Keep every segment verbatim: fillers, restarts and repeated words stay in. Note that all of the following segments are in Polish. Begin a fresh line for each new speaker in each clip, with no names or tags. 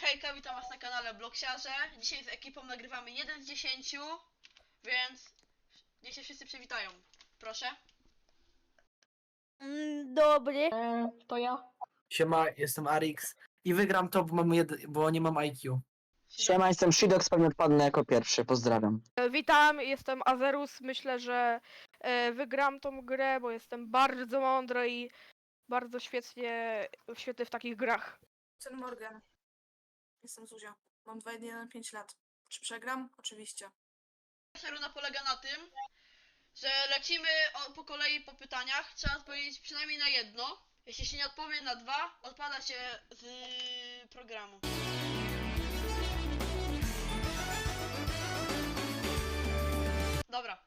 hejka, witam was na kanale Bloksiarze. Dzisiaj z ekipą nagrywamy jeden z dziesięciu, więc niech się wszyscy przywitają. Proszę.
Mm, Dobry.
E, to ja.
Siema, jestem Arix i wygram to, bo, mam jed... bo nie mam I Q.
Siema, jestem Shidox, pewnie odpadnę jako pierwszy, pozdrawiam.
E, Witam, jestem Azerus. Myślę, że e, wygram tą grę, bo jestem bardzo mądry i bardzo świetnie, świetny w takich grach.
Jestem Morgan. Jestem Zuzia. Mam dwa jeden pięć lat. Czy przegram? Oczywiście.
Pierwsza runda polega na tym, że lecimy o, po kolei po pytaniach. Trzeba odpowiedzieć przynajmniej na jedno. Jeśli się nie odpowie na dwa, odpada się z programu. Dobra.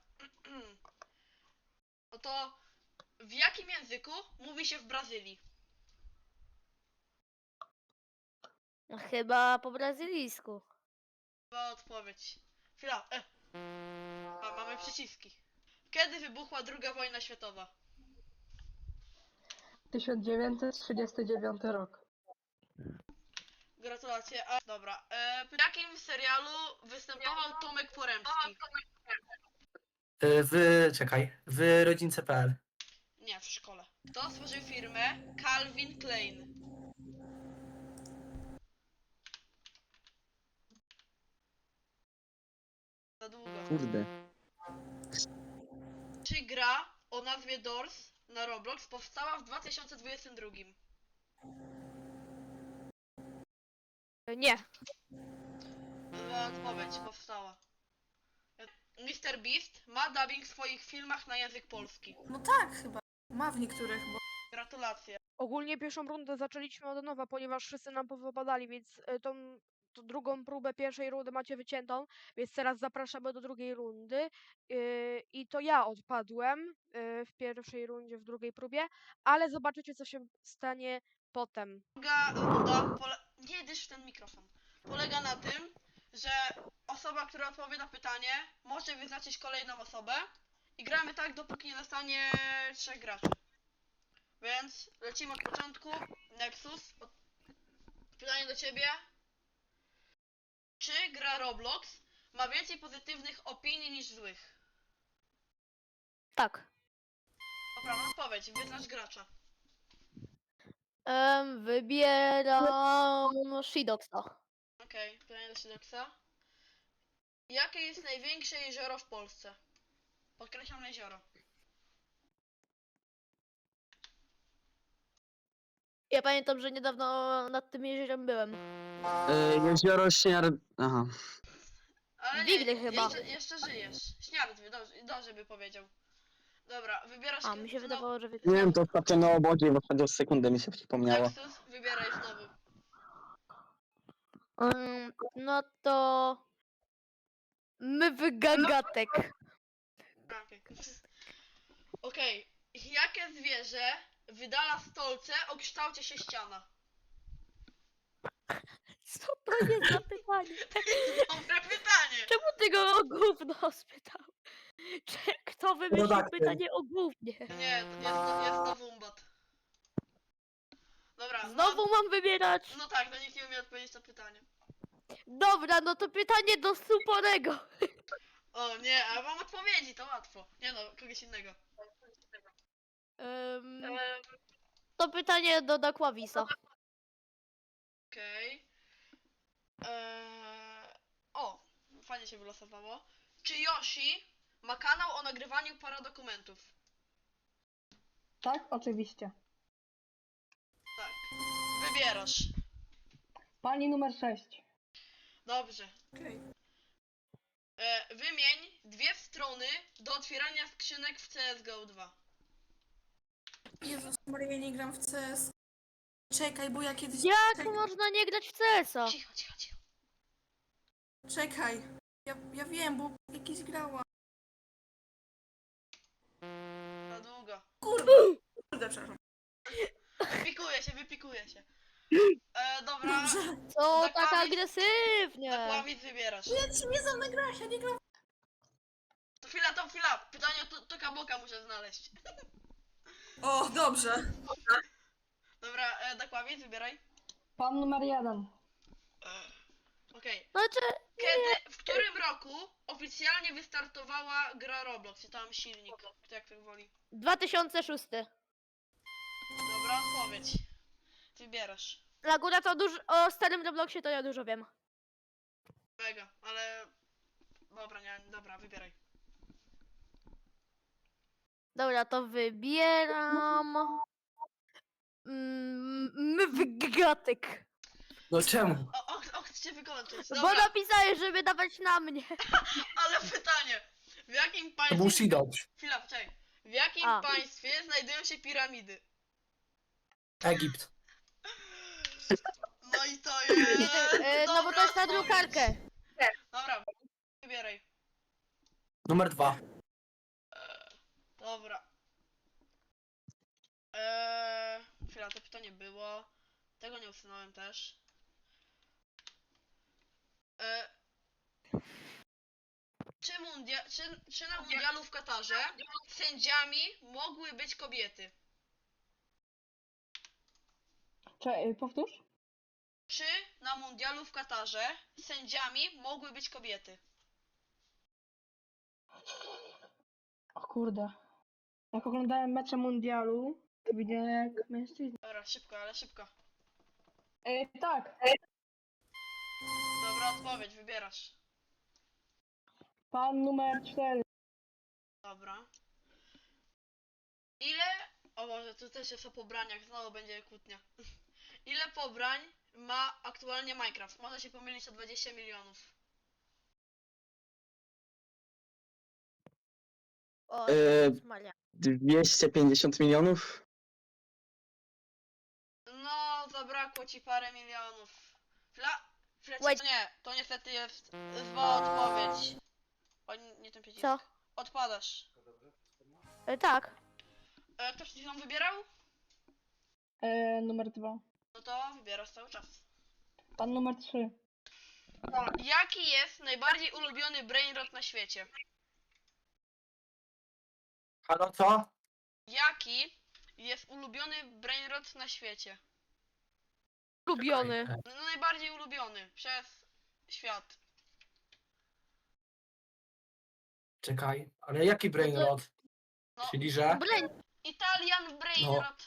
No to w jakim języku mówi się w Brazylii?
Chyba po brazylijsku.
Chyba odpowiedź. Chwila. E. A, mamy przyciski. Kiedy wybuchła druga wojna światowa?
tysiąc dziewięćset trzydziesty dziewiąty rok.
Gratulacje. A, dobra. E, w jakim serialu występował Tomek Poremski?
Y, W... czekaj, w rodzince kropka p l.
Nie, w szkole. Kto stworzył firmę Calvin Klein? Za długo.
Kurde.
Czy gra o nazwie Doors na Roblox powstała w dwa tysiące dwudziestym drugim?
E, Nie.
Zła odpowiedź, powstała. mister Beast ma dubbing w swoich filmach na język polski.
No tak, chyba. Ma w niektórych, bo
Gratulacje.
Ogólnie pierwszą rundę zaczęliśmy od nowa, ponieważ wszyscy nam powypadali, więc e, tą, tą drugą próbę pierwszej rundy macie wyciętą, więc teraz zapraszamy do drugiej rundy. Yy, I to ja odpadłem yy, w pierwszej rundzie, w drugiej próbie, ale zobaczycie, co się stanie potem.
Druga runda pole... Nie dysz w ten mikrofon. Polega na tym, że osoba, która odpowie na pytanie, może wyznaczyć kolejną osobę i gramy tak, dopóki nie zostanie trzech graczy. Więc lecimy od początku. Nexus. Od... Pytanie do ciebie. Czy gra Roblox ma więcej pozytywnych opinii niż złych?
Tak.
Poprawna odpowiedź. Wyznacz gracza.
Em, wybieram Shidoxa.
Okej, okay, pytanie do Sidoxa. Jakie jest największe jezioro w Polsce? Podkreślam jezioro.
Ja pamiętam, że niedawno nad tym jeziorem byłem.
Y, jezioro Śniar... Aha.
Ale
Wigry
nie,
chyba.
Jeszcze, jeszcze żyjesz. Śniardwy, dobrze, dobrze by powiedział. Dobra, wybierasz...
A, mi się
znowu-
wydawało, że wy...
Nie wiem, to ostatnio na obozie, bo chodzi o sekundę mi się przypomniało.
Nexus, wybieraj znowu.
Em, no to... Mywgagatek.
Okej. Okej, jakie zwierzę wydala stolce o kształcie sześciana?
Co to jest za pytanie?
Dobre pytanie!
Czemu ty go o gówno spytał? Czy kto wymyślił
Rodaktyl.
pytanie o gównie?
Nie, to jest to, jest to wumbat. Dobra,
Znowu mam wybierać?
No, no tak, no nikt nie umie odpowiedzieć na pytanie.
Dobra, no to pytanie do Suporego.
O nie, a mam odpowiedzi, to łatwo. Nie no, kogoś innego.
Em, to pytanie do Dakławisa.
Okej. Eee... O, fajnie się wylosowało. Czy Yoshi ma kanał o nagrywaniu paradokumentów?
Tak, oczywiście.
Tak. Wybierasz.
Pani numer sześć.
Dobrze.
okej.
E, wymień dwie strony do otwierania skrzynek w C S G O dwa.
Jezus Maria, nie gram w C S. Czekaj, bo ja kiedyś...
Jak
Czekaj,
można nie grać w C S a?
Cicho, cicho, cicho.
czekaj. Ja, ja wiem, bo jakiś grała.
Za długo.
Kurde, kurde, przepraszam.
Wypikuje się, wypikuje się. E, dobra.
Dobrze.
Co
Zakłamie-
tak agresywnie?
Zakłamit wybierasz.
Ja ci nie znam nagrać, ja nie gram.
To chwila, to chwila. Pytanie o Toka Boka muszę znaleźć.
O, dobrze.
Dobra, e, Dakłamit, wybieraj.
Pan numer jeden.
E, Okej.
Znaczy,
Kiedy, w którym roku oficjalnie wystartowała gra Roblox? I tam silnik, kto jak to woli.
dwa tysiące szósty.
Dobra, odpowiedź. Wybierasz.
Laguna to dużo, o starym Robloxie to ja dużo wiem.
Mega, ale... Dobra, nie, dobra, wybieraj.
Dobra, to wybieram... Mm, Mwygatek.
No czemu?
O, o, o chcę wykończyć.
Bo
Dobra,
napisałeś, żeby dawać na mnie.
ale pytanie. W jakim
To był
państwie...
Shidob.
Chwila, czekaj. W jakim
A.
państwie znajdują się piramidy?
Egipt.
No i to jest...
E, no bo
dobra
to jest na
odpowiedź.
drukarkę.
Dobra, wybieraj.
Numer dwa.
Dobra. Eee, chwila, to pytanie było. Tego nie usunąłem też. Eee, czy, mundia- czy, czy na mundialu w Katarze sędziami mogły być kobiety?
Czekaj, powtórz?
Czy na mundialu w Katarze sędziami mogły być kobiety?
O kurde. Jak oglądałem mecze mundialu, to widziałem jak mężczyźni.
Dobra, szybko, ale szybko.
Ej, tak,
Dobra, odpowiedź, wybierasz.
pan numer cztery.
Dobra. Ile... O Boże, tu też jest o pobraniach, znowu będzie kłótnia. Ile pobrań ma aktualnie Minecraft? Można się pomylić o dwadzieścia milionów.
O,
E,
Jezus Maria.
dwieście pięćdziesiąt milionów?
No, zabrakło ci parę milionów. Fla... Fla...
Wait.
Nie, to niestety jest zła odpowiedź. O, nie, nie ten przycisk.
Co?
Odpadasz.
E, tak.
E, ktoś ci ją wybierał?
E, numer dwa.
No to wybierasz cały czas.
Pan numer trzy.
Jaki jest najbardziej ulubiony brainrot na świecie?
Halo, co?
Jaki jest ulubiony brainrot na świecie?
Lubiony.
No, najbardziej ulubiony przez świat.
Czekaj, ale jaki brainrot?
No.
Czyli że?
Brain.
Italian brainrot.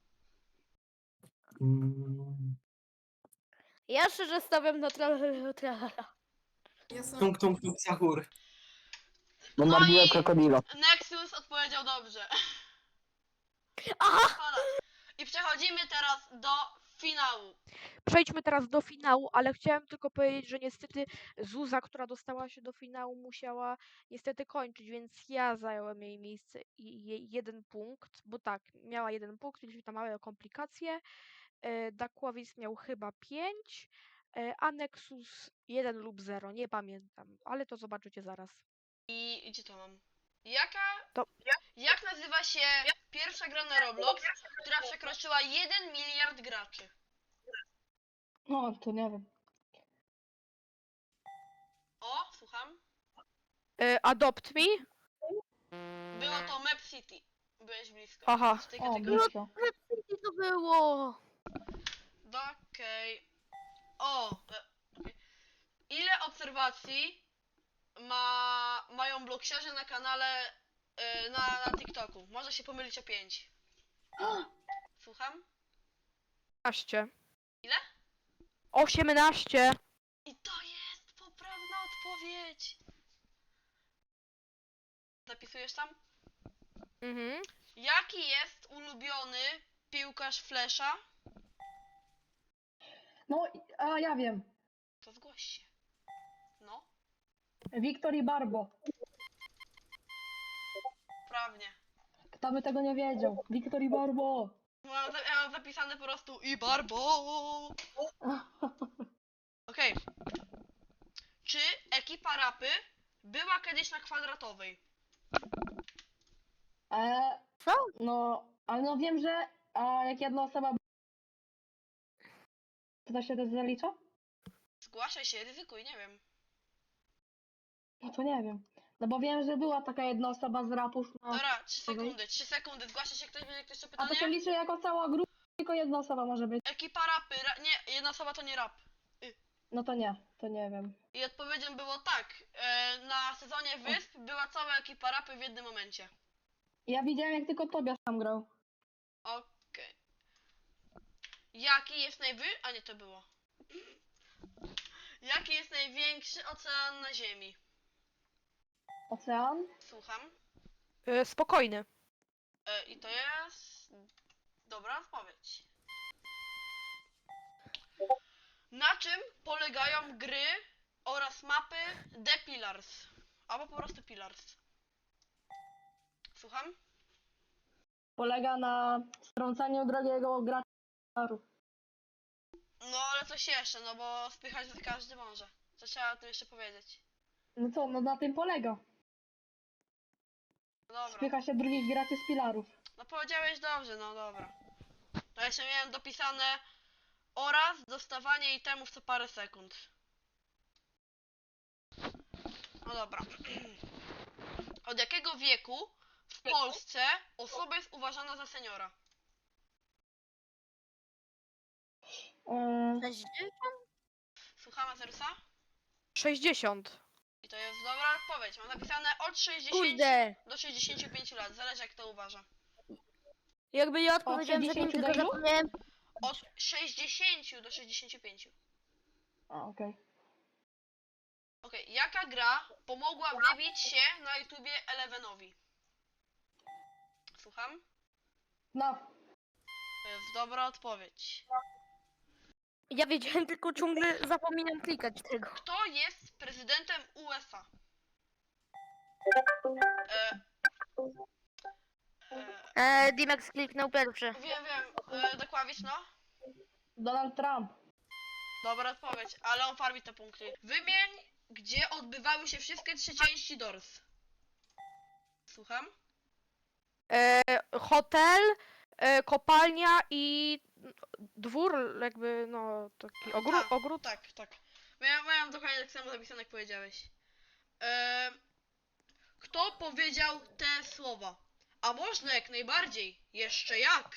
Mm,
Ja szczerze stawiam na tra- tralala.
Jestem...
tung tung tung sahur.
Bombardier
i-
krokodilo.
Nexus odpowiedział dobrze.
Aha!
Odpadasz. I przechodzimy teraz do finału.
Przejdźmy teraz do finału, ale chciałem tylko powiedzieć, że niestety Zuza, która dostała się do finału, musiała niestety kończyć, więc ja zająłem jej miejsce i jej jeden punkt, bo tak, miała jeden punkt, mieliśmy tam małe komplikacje. E, Dakłowicz miał chyba pięć, e, a Nexus jeden lub zero, nie pamiętam, ale to zobaczycie zaraz.
I gdzie to mam? Jaka...
To-
Jak nazywa się pierwsza gra na Roblox, która przekroczyła jeden miliard graczy?
No, to nie wiem.
O, słucham.
E, Adopt Me?
Było to Map City. Byłeś blisko.
Aha.
W tej
O,
kategorii.
blisko.
Co to było?
Okej. O! e, okej. Ile obserwacji ma, mają bloksiarze na kanale e, na, na TikToku? Może się pomylić o pięć. Słucham?
osiemnaście.
Ile?
osiemnaście.
I to jest poprawna odpowiedź. Zapisujesz tam?
Mhm.
Jaki jest ulubiony piłkarz Flesza?
No, a ja wiem.
To zgłoś się. No,
Wiktor i Barbo.
prawnie.
Kto by tego nie wiedział? Wiktor i Barbo.
Mam, za- ja mam zapisane po prostu i Barbo. Okej. Czy ekipa rapy była kiedyś na kwadratowej?
E,
Co?
no, ale no wiem, że a jak jedna osoba... To to się też zalicza?
Zgłaszaj się, ryzykuj, nie wiem.
No to nie wiem. No bo wiem, że była taka jedna osoba z rapów. No.
Dobra, trzy
okej.
sekundy, trzy sekundy. Zgłasza się ktoś, będzie ktoś to
A to się
pytanie?
liczy jako cała grupa, tylko jedna osoba może być.
Ekipa rapy, ra- nie, jedna osoba to nie rap. Y.
No to nie, to nie wiem.
I odpowiedzią było tak. E, na sezonie Wysp była cała ekipa rapy w jednym momencie.
Ja widziałem jak tylko Tobiasz tam grał.
Okej. Jaki jest najwy... A nie, to było. Jaki jest największy ocean na Ziemi?
Ocean?
Słucham.
Y, spokojny.
E, I to jest... dobra odpowiedź. Na czym polegają gry oraz mapy The Pillars? Albo po prostu Pillars. Słucham?
Polega na strącaniu drogiego gracza.
No ale coś jeszcze, no bo spychać to każdy może. Co trzeba tu jeszcze powiedzieć?
No co, no na tym polega.
No dobra.
Spycha się drugich graczy z pilarów.
No powiedziałeś dobrze, no dobra. To jeszcze miałem dopisane oraz dostawanie itemów co parę sekund. No dobra. Od jakiego wieku w Polsce osoba jest uważana za seniora?
Eee,
Słuchamy Zerusa?
sześćdziesiąt.
I to jest dobra odpowiedź. Mam napisane od sześćdziesięciu
Kurde.
do sześćdziesięciu pięciu lat. Zależy jak to uważa.
Jakby ja odpowiedziałem że
sześćdziesięciu
tylko
do ilu?
zapomniałem.
Od sześćdziesięciu do sześćdziesięciu pięciu.
a okej.
Okej, jaka gra pomogła wybić się na YouTubie Elevenowi? Słucham?
No,
To jest dobra odpowiedź.
Ja wiedziałem, tylko ciągle zapominam klikać tego.
Kto jest prezydentem U S A? E, e,
Eee, Dimax kliknął pierwszy.
wiem, wiem. E, dokładnie, no?
Donald Trump.
Dobra odpowiedź, ale on farmi te punkty. Wymień, gdzie odbywały się wszystkie trzy części Doors. Słucham?
E, hotel, e, kopalnia i dwór, jakby no taki ogród.
Tak,
ogród.
Tak, tak. Miałem, miałem dokładnie tak samo zapisane, jak powiedziałeś. E, kto powiedział te słowa? A można jak najbardziej. Jeszcze jak?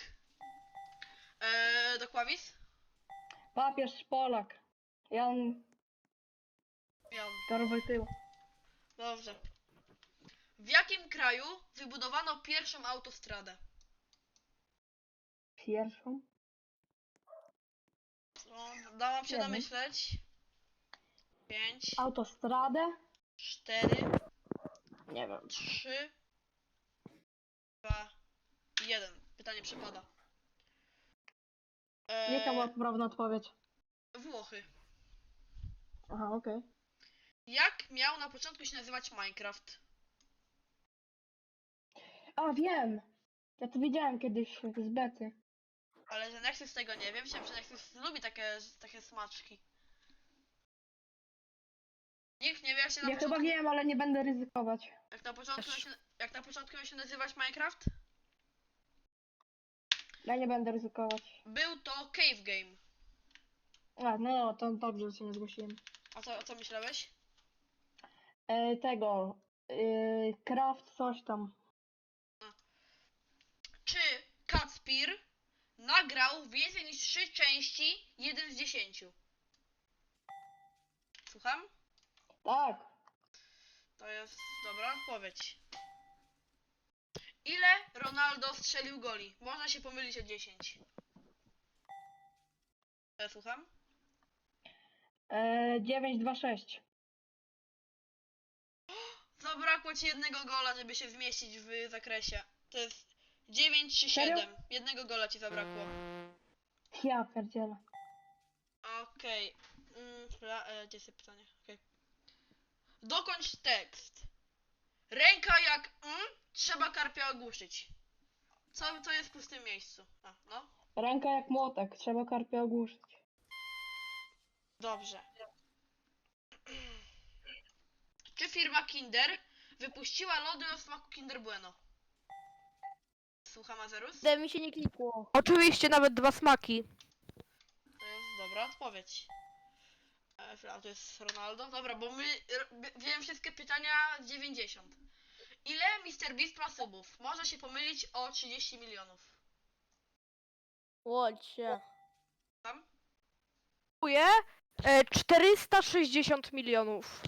E, Dokławis?
Papież Polak. Jan
Jan.
Karol Wojtyła.
Dobrze. W jakim kraju wybudowano pierwszą autostradę?
Pierwszą.
No, dałam się
Nie wiem.
domyśleć. Pięć,
Autostradę?
cztery,
Nie wiem.
trzy, dwa, jeden. Pytanie przepada.
Jaka była
Eee,
poprawna odpowiedź?
Włochy.
Aha, okej.
Jak miał na początku się nazywać Minecraft?
A, wiem! Ja to widziałem kiedyś z bety.
Ale że Nexus tego nie wiem, myślałem, że Nexus lubi takie, takie smaczki. Nikt nie wie, jak się na
Ja chyba
początku,
wiem, ale nie będę ryzykować.
jak na początku, miał
Też.
się, jak na początku miał się nazywać Minecraft?
Ja nie będę ryzykować.
Był to Cave Game.
A, no, to dobrze, że się nie zgłosiłem.
A co, a co myślałeś?
E, tego. E, craft coś tam.
Czy Kacpir nagrał więcej niż trzy części, jeden z dziesięciu? Słucham?
Tak.
To jest dobra odpowiedź. Ile Ronaldo strzelił goli? Można się pomylić o dziesięć. E, słucham?
E, dziewięć dwa sześć.
Zabrakło ci jednego gola, żeby się zmieścić w zakresie. To jest dziewięć trzy
Serio?
siedem. Jednego gola ci zabrakło.
Ja pierdzielę.
Okej. Mm, chwila, e, gdzie jest to pytanie? Okej. Dokończ tekst. Ręka jak mm, trzeba karpia ogłuszyć. Co, co jest w pustym miejscu? A, no.
Ręka jak młotek, trzeba karpia ogłuszyć.
Dobrze. Czy firma Kinder wypuściła lody o smaku Kinder Bueno? Słucham, Azerus?
Gdy mi się nie klikło.
Oczywiście nawet dwa smaki.
To jest dobra odpowiedź. E, chwila, to jest Ronaldo? Dobra, bo my r- b- wiem wszystkie pytania z dziewięćdziesiąt. Ile mister Beast ma subów? Można się pomylić o trzydzieści milionów.
Łodź się.
Tam?
Dziękuję. E, czterysta sześćdziesiąt milionów.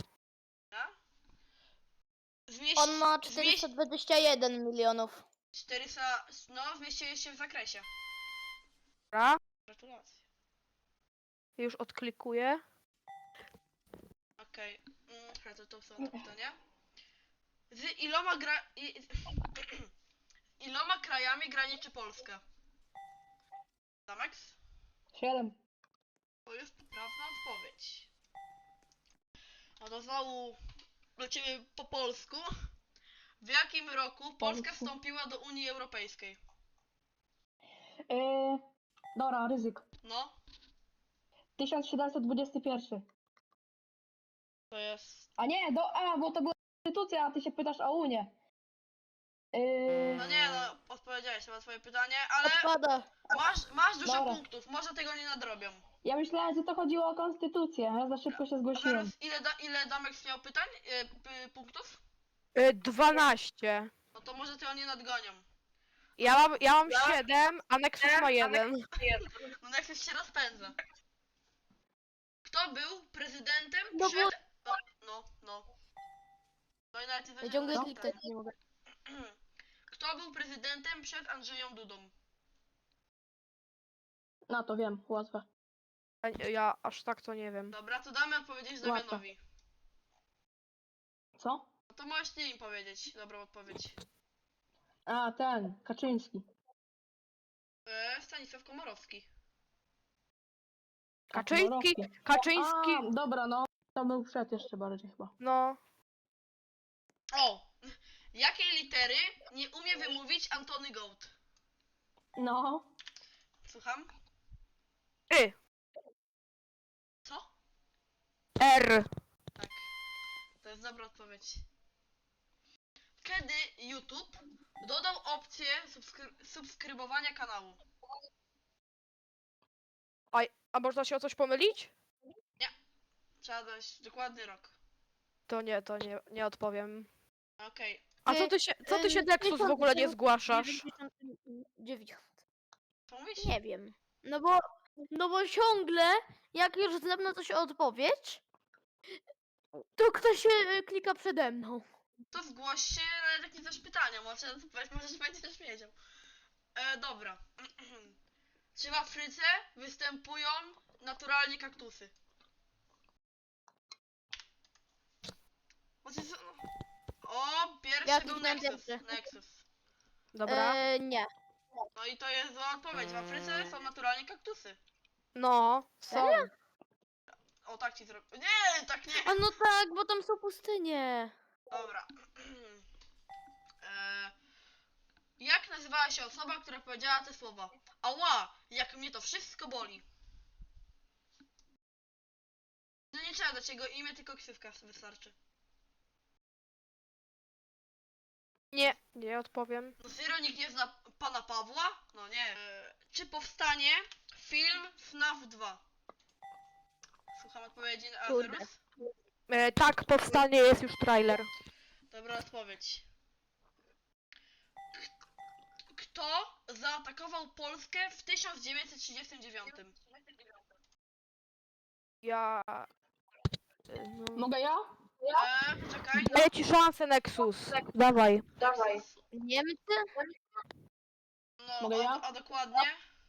Zmieść,
On ma
zmieść
czterysta dwadzieścia jeden milionów.
czterysta, no zmieściłeś się w zakresie.
Dobra,
Gratulacje.
już odklikuję.
Okej, mm, okay. to, to są te pytania. Z iloma gra... I, iloma krajami graniczy Polska? Zamex?
Siedem.
To jest poprawna odpowiedź. A to znowu do ciebie po polsku. W jakim roku Polska
Polsku.
wstąpiła do Unii Europejskiej?
Yy, dobra, ryzyk.
No,
tysiąc siedemset dwudziesty pierwszy.
to jest...
A nie, do, a, bo to była konstytucja, a ty się pytasz o Unię. Yy,
No nie, no odpowiedziałeś na twoje pytanie, ale
Odpada.
masz, masz dużo
Dobra.
punktów, może tego nie nadrobią.
ja myślałem, że to chodziło o konstytucję, ja za szybko się
A
zgłosiłem.
teraz ile, da, ile Damek miał pytań? E, p, punktów?
E, dwanaście.
No to może tego nie nadgonią.
Ja mam, ja mam siedem, a Nexus ma jeden.
No Nexus się rozpędza. Kto był prezydentem
No bo-
przed... No, no, no. No i nawet nie
Ja
zdążyłem
ciągle
zadać
klikać
pytania.
nie mogę.
Kto był prezydentem przed Andrzejem Dudą?
No to wiem, łatwe.
A nie, Ja aż tak to nie wiem.
Dobra, to damy odpowiedzieć
Łatwo.
Damianowi.
Co?
No to możesz ty im powiedzieć dobrą odpowiedź.
A, ten, Kaczyński.
E, Stanisław Komorowski.
Kaczyński,
Komorowski.
Kaczyński,
A, dobra, no. To był przed jeszcze bardziej chyba.
no.
O! Jakiej litery nie umie wymówić Antony Goat?
No.
Słucham?
Y,
Co?
R.
Tak. To jest dobra odpowiedź. Kiedy YouTube dodał opcję subskry subskrybowania kanału?
A można się o coś pomylić?
Trzeba dać dokładny rok.
To nie, to nie, nie odpowiem.
Okej.
A co ty się, co ty się Nexus w ogóle nie zgłaszasz?
dziewięćdziesiąt.
Co mówisz?
Nie wiem. No bo, no bo ciągle, jak już ze mną coś odpowiedź, to ktoś się klika przede mną.
To zgłoś się, ale jak nie znasz pytania, może, może będziesz też wiedział. E, dobra. Czy w Afryce występują naturalnie kaktusy? Znaczy, co- no. O, pierwszy
Ja
był
kliknąłem
Nexus.
pierwszy.
Nexus.
Dobra.
E, nie.
No i to jest zła odpowiedź. W Afryce są naturalnie kaktusy.
No, są.
O, tak ci zrobię. Nie, tak nie.
A no tak, bo tam są pustynie.
Dobra. e, jak nazywała się osoba, która powiedziała te słowa? Ała, jak mnie to wszystko boli. No nie trzeba dać jego imię, tylko ksywka wystarczy.
Nie, nie odpowiem.
No serio, nikt nie zna pana Pawła? No nie. E, czy powstanie film F N A F dwa? Słucham odpowiedzi na
Kurde.
Azerus.
E, tak, powstanie, jest już trailer.
Dobra odpowiedź. K- Kto zaatakował Polskę w tysiąc dziewięćset trzydziestym dziewiątym?
Ja... e, No.
Mogę ja?
Eee, poczekaj.
Daję ci szansę, Nexus. Dawaj.
Dawaj.
Niemcy?
No,
Mogę
a,
ja?
a dokładnie?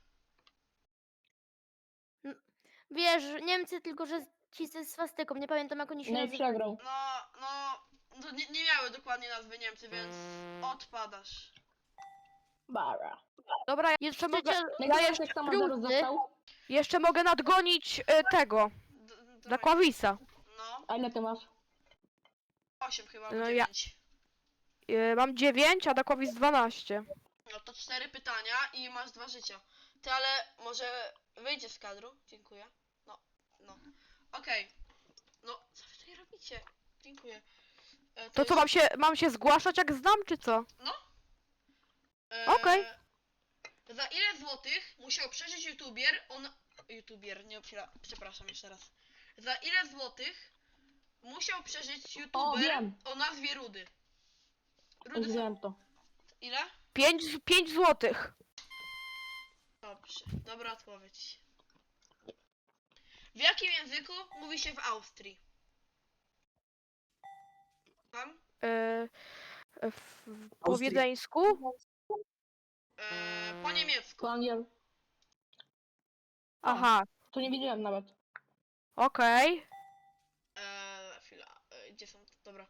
Wiesz, Niemcy, tylko że ci ze swastyką, nie pamiętam jak oni się
No i
nazywają.
przegrał.
No, no, no nie, nie miały dokładnie nazwy Niemcy, więc odpadasz.
Bara.
Dobra,
Jest
jeszcze mogę,
trzecia
Ja
jeszcze-
jeszcze sama zaraz
rundy.
został.
jeszcze mogę nadgonić e, tego,
D- d-
Dakławisa.
No,
A ile ty masz?
osiem chyba,
No
albo
ja-
dziewięć.
E, mam dziewięć, a Dakławis dwanaście.
No to cztery pytania i masz dwa życia. Ty, ale może wyjdziesz z kadru? Dziękuję. No, no. Okej. No, co wy tutaj robicie? Dziękuję. E,
To co,
jest-
mam się, mam się zgłaszać jak znam, czy co?
e,
okej.
Za ile złotych musiał przeżyć youtuber on... YouTuber, nie obsira... Przepraszam jeszcze raz. Za ile złotych musiał przeżyć
O,
youtuber
wiem.
o nazwie Rudy?
Już
Rudy,
wiem to.
ile?
pięć, pięć złotych.
Dobrze, dobra odpowiedź. W jakim języku mówi się w Austrii? Tam?
E, w, w, po
Austrii.
wiedeńsku?
E, po niemiecku.
Po angiel.
Aha,
To nie widziałem nawet.
okej.
E, chwila, e, gdzie są? Dobra.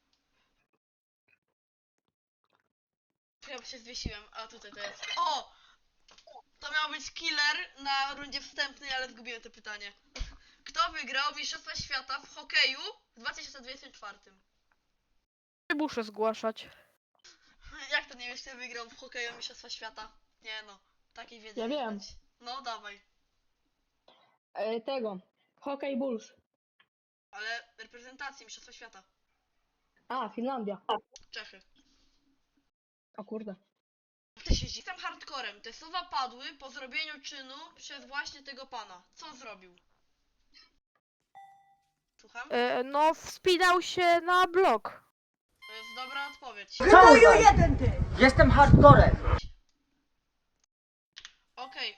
Chyba się zwiesiłem, a tutaj to jest. O! To miał być killer na rundzie wstępnej, ale zgubiłem to pytanie. Kto wygrał Mistrzostwa Świata w hokeju w dwa tysiące dwudziestym czwartym?
Nie muszę zgłaszać.
Jak to nie wiesz, kto wygrał w hokeju Mistrzostwa Świata? Nie no, takiej wiedzy
Ja
nie
wiem.
znać. No dawaj,
E, tego. Hockey Bulls.
ale reprezentacji Mistrzostwa Świata.
A, Finlandia.
Czechy.
O kurde.
Ty się Jestem hardcorem. Te słowa padły po zrobieniu czynu przez właśnie tego pana. Co zrobił? Słucham?
E, no, wspinał się na blok.
To jest dobra odpowiedź.
Jestem hardcorem.
Okej.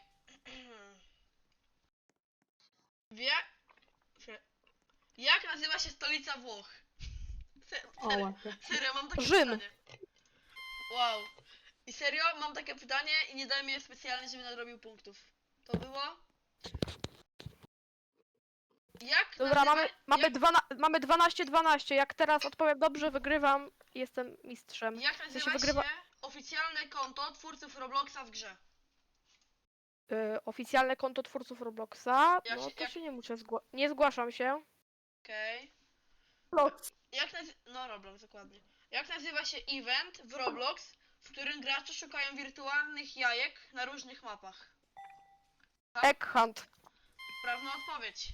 Wie... Chwilę. Jak nazywa się stolica Włoch? Se-
O,
Serio,
łatwo.
serio, mam takie
Rzym.
pytanie. Wow. I serio, mam takie pytanie i nie dałem je specjalnie, żeby nadrobił punktów. To było? Jak
Dobra,
nazywa...
mamy, mamy,
jak,
dwana, mamy dwanaście dwanaście. Jak teraz odpowiem dobrze, wygrywam. Jestem mistrzem.
jak
sensie
nazywa
wygrywa-
się oficjalne konto twórców Robloxa w grze?
E, oficjalne konto twórców Robloxa.
Jak
No
się-
to
jak-
się nie muszę zgłaszać. Nie zgłaszam się.
Okej. Jak nazy- No Roblox, dokładnie. Jak nazywa się event w Roblox, w którym gracze szukają wirtualnych jajek na różnych mapach?
Egg Hunt.
Prawna odpowiedź.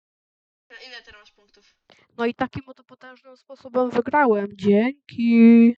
Ile teraz masz punktów?
No i takim oto potężnym sposobem wygrałem. Dzięki.